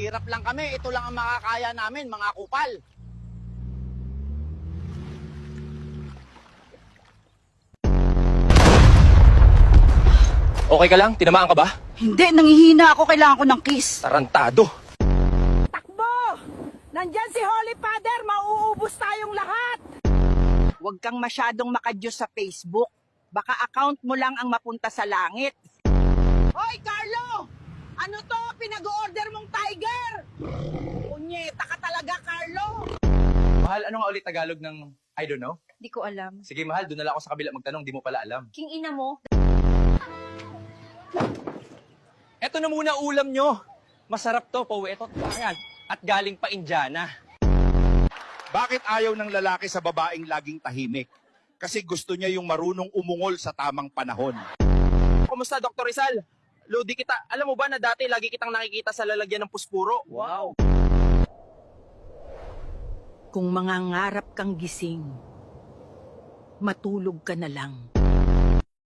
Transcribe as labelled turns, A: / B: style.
A: Hirap lang kami, ito lang ang makakaya namin, mga kupal.
B: Okay ka lang? Tinamaan ka ba?
C: Hindi, nangihina ako. Kailangan ko ng kiss.
B: Tarantado.
C: Takbo! Nandyan si Holy Father, mauubos tayong lahat! Huwag kang masyadong makadyos sa Facebook. Baka account mo lang ang mapunta sa langit. Hoy, Carlo! Ano to? Pinag-order mong tiger! Punyeta ka talaga, Carlo!
B: Mahal, ano nga ulit Tagalog ng I don't know?
D: Di ko alam.
B: Sige, mahal, doon na lang ako sa kabila magtanong, di mo pala alam.
D: King ina mo?
B: Eto na muna ulam nyo. Masarap to, pauwi. Eto, ayan. At galing pa Indiana.
E: Bakit ayaw ng lalaki sa babaeng laging tahimik? Kasi gusto niya yung marunong umungol sa tamang panahon.
B: Kumusta, Dr. Rizal? Lodi kita. Alam mo ba na dati lagi kitang nakikita sa lalagyan ng puspuro? Wow.
C: Kung mangangarap kang gising, matulog ka na lang.